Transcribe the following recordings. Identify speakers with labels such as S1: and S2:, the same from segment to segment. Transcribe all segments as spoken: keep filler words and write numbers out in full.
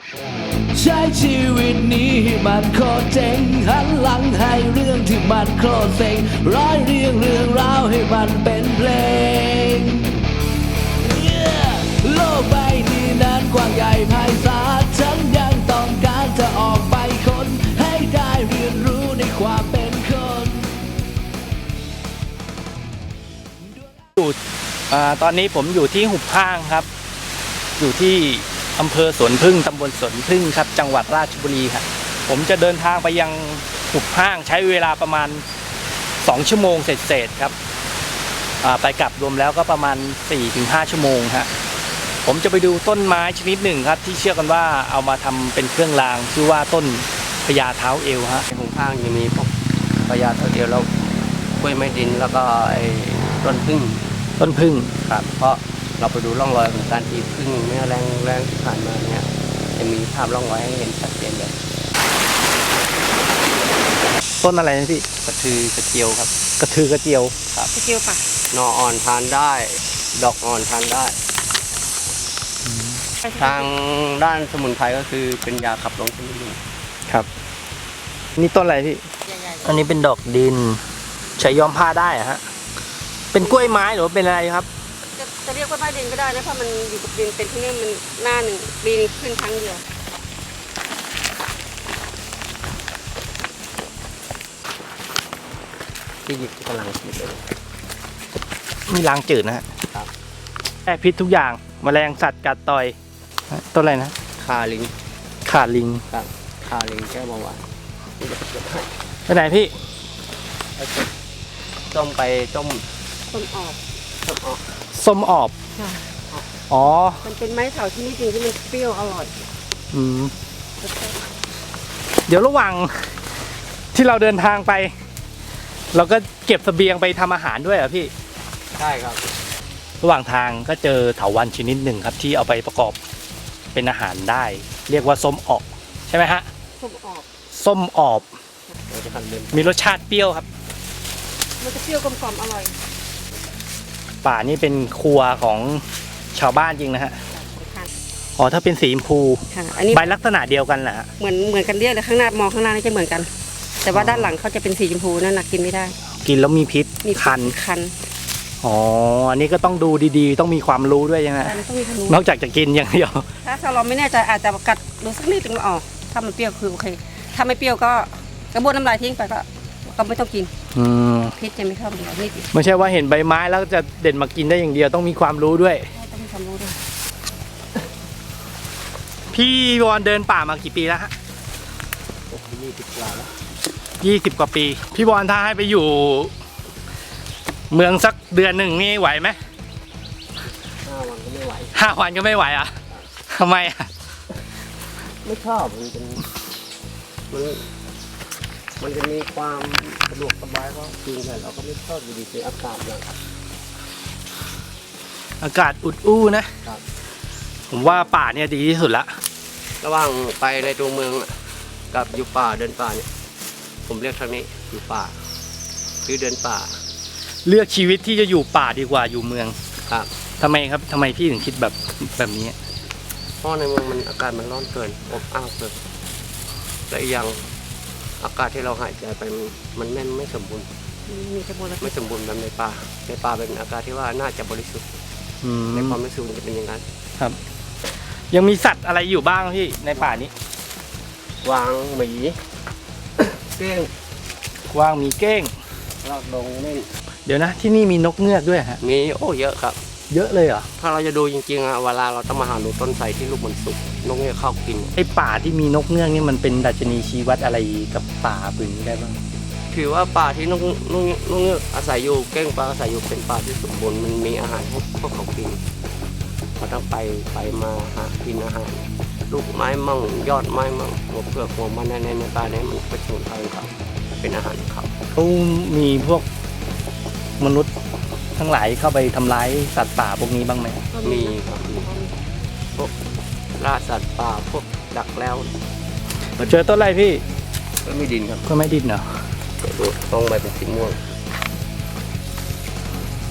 S1: ใช้ชีวิตนี้ให้มันโคตรเจ๋งหันหลังให้เรื่องที่มันโคตรเซ็งร้อยเรียงเรื่องราวให้มันเป็นเพลง yeah! โลกใบนี้นั้นกว้างใหญ่ไพศาลฉันยังต้องการจะออกไปค้นให้ได้เรียนรู้ในความเป็นคน
S2: ตอนนี้ผมอยู่ที่หุบห้างครับอยู่ที่อำเภอสวนพึ่งตำบลสวนพึ่งครับจังหวัดราชบุรีครับผมจะเดินทางไปยังหุบห้างใช้เวลาประมาณสองชั่วโมงเศษๆครับไปกลับรวมแล้วก็ประมาณ สี่ถึงห้า ชั่วโมงฮะผมจะไปดูต้นไม้ชนิดหนึ่งครับที่เชื่อกันว่าเอามาทำเป็นเครื่องรางชื่อว่าต้นพญาเท้าเอวฮะ
S3: ในหุบห้างยังมีพวกพญาเท้าเอวแล้วกล้วยไม้ดินแล้วก็ไอ้ต้นพึ่ง
S2: ต้นพึ่ง
S3: ครับเพราะเราไปดูร่องรอยของการตีพึ่งเนี่ยแรงแรงที่ผ่านมาเนี่ยจะมีภาพร่องรอยให้เห็นชัดเจนเลย
S2: ต้นอะไรนะพี่
S3: กระทือกระเจียวครับ
S2: กระทือกระเจียว
S3: ครับกระเจียวป่ะหน่ออ่อนทานได้ดอกอ่อนทานได้ทางด้านสมุนไพรก็คือเป็นยาขับลมชนิดหนึ่ง
S2: ครับนี่ต้นอะไรพี่อันนี้เป็นดอกดินใช้ย้อมผ้าได้อะฮะเป็นกล้วยไม้หรือเป็นอะไรครับ
S4: จะจะเรียกว่าไม้ดินก็ได้นะเพราะมันอยู่กับดินเป็นที่นี่มันหน้าหนึ่งปีนึงขึ้นครั้งเดียว
S3: ที่หยิบกำลังหยิบเลย
S2: มีล้างจืดนะฮะครับแก้พิษทุกอย่างแมลงสัตว์กัดต่อยต้นอะไรนะ
S3: คาลิง
S2: ขาลิง
S3: ครับคาลิงแก้เบาหวาน
S2: ไปไหนพี่
S3: ต้มไปต้ม
S4: ต้มออบ
S3: ต้มออบ
S2: ส้มออบอ๋อ
S4: มันเป็นไม้เถาที่นี่จริงที่มันเปรี้ยวอร่อย
S2: อืมเดี๋ยวระหว่างที่เราเดินทางไปเราก็เก็บเสบียงไปทำอาหารด้วยเหรอพี่
S3: ใช่ครับ
S2: ระหว่างทางก็เจอเถาวัลย์ชนิดหนึ่งครับที่เอาไปประกอบเป็นอาหารได้เรียกว่าส้มออบใช่ไหมฮะ
S4: ส้มออบ
S2: ส้มออบมีรสชาติเปรี้ยวครับ
S4: มันจะเปรี้ยวกลมๆอร่อย
S2: ป่านี่เป็นครัวของชาวบ้านจริงนะฮะอ๋อถ้าเป็นสีชมพูใบลักษณะเดียวกันแหละ
S4: เหมือนเหมือนกันเรียกเลยข้างหน้ามองข้างหน้านี่จะเหมือนกันแต่ว่าด้านหลังเขาจะเป็นสีชมพูนั่นนะกินไม่ได้
S2: กินแล้วมีพิษ
S4: มี
S2: คัน
S4: คัน
S2: อ๋ออันนี้ก็ต้องดูดีๆต้องมีความรู้ด้วยยังไงนอกจากจะกินอย่างเดียว
S4: ถ้าเราไม่แน่ใจอาจจะกัดดูสักนิดนึงออกถ้ามันเปรี้ยวคือโอเคถ้าไม่เปรี้ยวก็กระบวนน้ำลายทิ้งไปก็ก็ไม่ต้องกินพิษจะไม่เข้าเดียวนี่
S2: ไม่ใช่ว่าเห็นใบไม้แล้วจะเด็ดมากินได้อย่างเดียวต้องมีความรู้ด้วย
S4: ต้องมีความรู้ด้วย
S2: พี่วอนเดินป่ามากี่ปีแล้วฮะ
S3: ยี่สิบกว่าแล้ว
S2: ยี่สิบกว่าปีพี่วอนถ้าให้ไปอยู่เมืองสักเดือนหนึ่งนี่ไหวไหม
S3: ห้าวันก็ไม่ไหว
S2: ห้าวันก็ไม่ไหวอ่ะทำไมอ่ะ
S3: ไม่ชอบมันเป็นมันมันจะมีความสะดวกสบายก็จริงแต่เราก็ไม่ชอบอยู่ดีๆอากาศอย่าง
S2: อากาศอุดอู้นะผมว่าป่าเนี่ยดีที่สุดละ
S3: ระหว่างไปในตัวเมืองกับอยู่ป่าเดินป่าเนี่ยผมเรียกทางนี้อยู่ป่าคือเดินป่า
S2: เลือกชีวิตที่จะอยู่ป่าดีกว่าอยู่เมือง
S3: ครับ
S2: ทำไมครับทำไมพี่ถึงคิดแบบแบบนี้
S3: เพราะในเมืองมันอากาศมันร้อนเกินอบอ้าวเกินและอีกอย่างอากาศที่เราหายใจไปมันไม่ไม่สมบูรณ์ไม่สมบูรณ์แบบในป่าในป่าเป็นอากาศที่ว่าน่าจะบริสุทธิ์ในความรู้สึกมันจะเป็นอย่างนั้น
S2: ครับยังมีสัตว์อะไรอยู่บ้างพี่ในป่านี้
S3: กวางหมีเก้ง
S2: กวางมีเก้ง
S3: ลากดงนี่
S2: เดี๋ยวนะที่นี่มีนกเงือกด้วยฮะ
S3: มีโอ้เยอะครับ
S2: เยอะเลยเหรอ
S3: ถ้าเราจะดูจริงๆอะเวลาเราต้องมาหาดูต้นไทรที่ลูกมันสุกนกเงือกเข้ากิน
S2: ไอ้ป่าที่มีนกเงือกนี่มันเป็นดัชนีชี้วัดอะไรกับป่าปืนนี้ได้บ้าง
S3: ถือว่าป่าที่นกนกนกเงือกอาศัยอยู่เก้งปลาอาศัยอยู่เป็นป่าที่สมบูรณ์มันมีอาหารพวกพวกเขากินเขาต้องไปไปมาหากินอาหารลูกไม้มั่งยอดไม้มั่งหัวเปลือกหัวมันในในป่าเนี่ยมันเป็นสมุนไพรเขาเป็นอาหารเขา
S2: เขามีพวกมนุษย์ทั้งหลายเข้าไปทำร้ายสัตว์ป่าพวกนี้บ้างไหม
S3: มีครับพวกล่าสัตว์ป่าพวกดักแล้ว
S2: เจอต้นอะไรพี่
S3: ก็ไม่ดินครับ
S2: ก็ไม่ดินเหรอ
S3: ต้องใบเป็นสีม่วง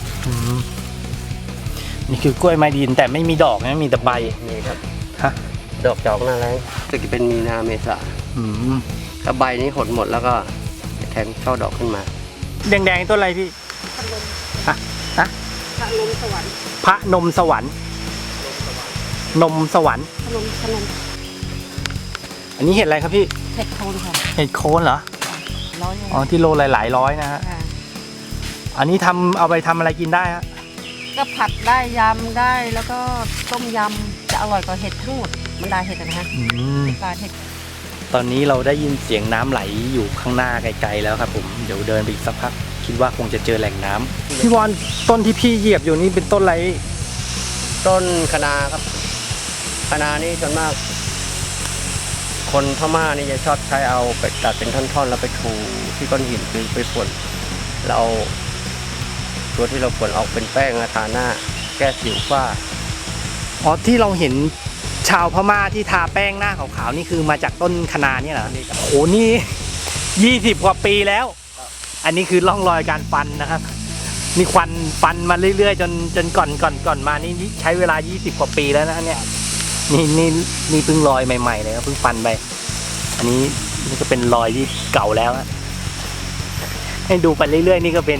S2: นี่คือกล้วยไม้ดินแต่ไม่มีดอกนะมีแต่ใบ
S3: นี่ครับ
S2: ฮะ
S3: ดอกจอกหน้าแรงจะเป็นมีนาเมษา
S2: อืม
S3: ถ้าใบนี้หดหมดแล้วก็แทงช่อดอกขึ้นมา
S2: แดงๆต้นอะไรพี่
S4: พัดลม
S2: ฮะฮะ
S4: พัดลมสวรรค์
S2: พระนมสวรรค์นมสวรรค์
S4: พัดลมพัดลม
S2: อันนี้เห็ดอะไรครับพี่
S4: เห็ดโคนค่ะ
S2: เห็ดโคนเหรอ
S4: ร้อย
S2: อ๋อที่โลหลายๆร้อยนะฮะ
S4: ค่ะ
S2: อันนี้ทำเอาไปทำอะไรกินได้ฮะ
S4: ก็ผัดได้ยำได้แล้วก็ต้มยำจะอร่อยกว่าเห็ดทั้งหมดบรรดาเห็ดนะฮะ
S2: อืม
S4: ปลาเห็ด
S2: ตอนนี้เราได้ยินเสียงน้ำไหลอยู่ข้างหน้าไกลๆแล้วครับผมเดี๋ยวเดินไปอีกสักพักคิดว่าคงจะเจอแหล่งน้ำพี่วอนต้นที่พี่เหยียบอยู่นี่เป็นต้นอะไร
S3: ต้นคะนาครับคะนานี่ส่วนมาก คนพม่านี่จะชอบใช้เอาไปตัดเป็นท่อนๆ แล้วไปถูที่ก้อนหินคือไปฝนเราเอาตัวที่เราฝนออกเป็นแป้งทาหน้า แก้สิวฝ้า
S2: อ๋อที่เราเห็นชาวพม่าที่ทาแป้งหน้าขาวๆนี่คือมาจากต้นคะนาเนี่ยเหรอโอ้โหนี่ยี่สิบกว่าปีแล้ว อันนี้คือร่องรอยการฟันนะครับนี่ควันฟันมาเรื่อยๆจนจนก่อนก่อนก่อนมานี่ใช้เวลายี่สิบกว่าปีแล้วนะเนี่ยนี่นี่นี่เพิ่งรอยใหม่ๆเลยครับเพิ่งฟันไปอันนี้นี่ก็เป็นรอยที่เก่าแล้วอะให้ดูไปเรื่อยๆนี่ก็เป็น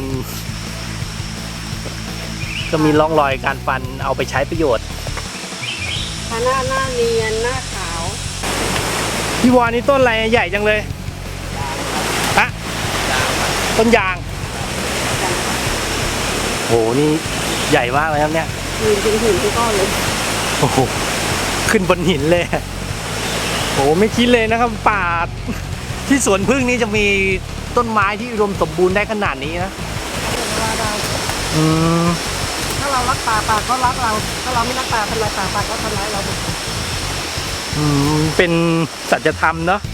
S2: ก็มีร่องรอยการฟันเอาไปใช้ประโยชน์
S4: หน้าหน้าเนียนหน้าขาว
S2: พี่วอนนี่ต้นอะไรใหญ่จังเลยฮะต้นยางโหนี่ใหญ่มากเลยครับเนี่ย
S4: หินเป็นหินทุกก้อนเลย
S2: โอ้โหขึ้นบนหินเลยโหไม่คิดเลยนะครับป่าที่สวนพึ่งนี่จะมีต้นไม้ที่อุดมสมบูรณ์ได้ขนาดนี้นะ
S4: เวลาเรา
S2: อืม
S4: ถ้าเรารักป่าป่าก็รักเราถ้าเราไม่รักป่าทำลายป่าป่าก็ทำร้ายเรา
S2: อืมเป็นสัจธรรมเนาะ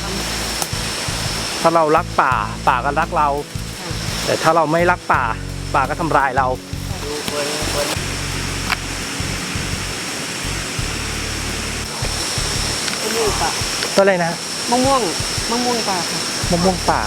S2: ถ้าเรารักป่าป่าก็รักเรา แต่ถ้าเราไม่รักป่าป่าก็ทำลายเรา
S4: มะม่วงป่า
S2: ต้นอะไรนะ
S4: มะม่วงมะม่วงป่าค่ะ
S2: มะม่วงป่า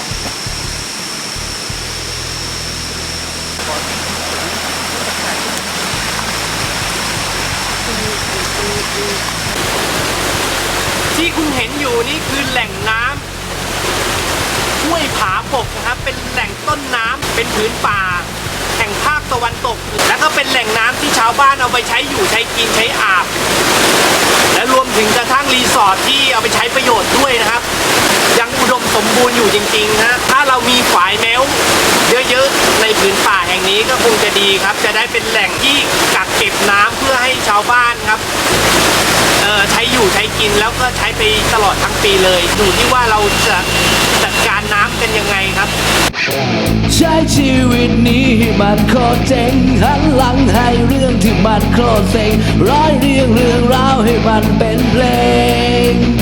S2: ที่คุณเห็นอยู่นี่คือแหล่งน้ำห้วยผาปกนะครับเป็นแหล่งต้นน้ำเป็นผืนป่าแห่งภาคตะวันตก และก็เป็นแหล่งน้ำที่ชาวบ้านเอาไปใช้อยู่ใช้กินใช้อาบ และรวมถึงกระทั่งรีสอร์ทที่เอาไปใช้ประโยชน์ด้วยนะครับ ยังอุดมสมบูรณ์อยู่จริงๆนะถ้าเรามีฝายแมวเยอะๆในผืนป่าแห่งนี้ก็คงจะดีครับ จะได้เป็นแหล่งที่กักเก็บน้ำเพื่อให้ชาวบ้านครับเอ่อใช้อยู่ใช้กินแล้วก็ใช้ไปตลอดทั้งปีเลยอยู่ที่ว่าเราจะจัดการน้ำกันยังไงครับ
S1: ใช้ชีวิตนี้ให้มันโคตรเจ๋งหันหลังให้เรื่องที่มันโคตรเซ็งร้อยเรียงเรื่องราวให้มันเป็นเพลง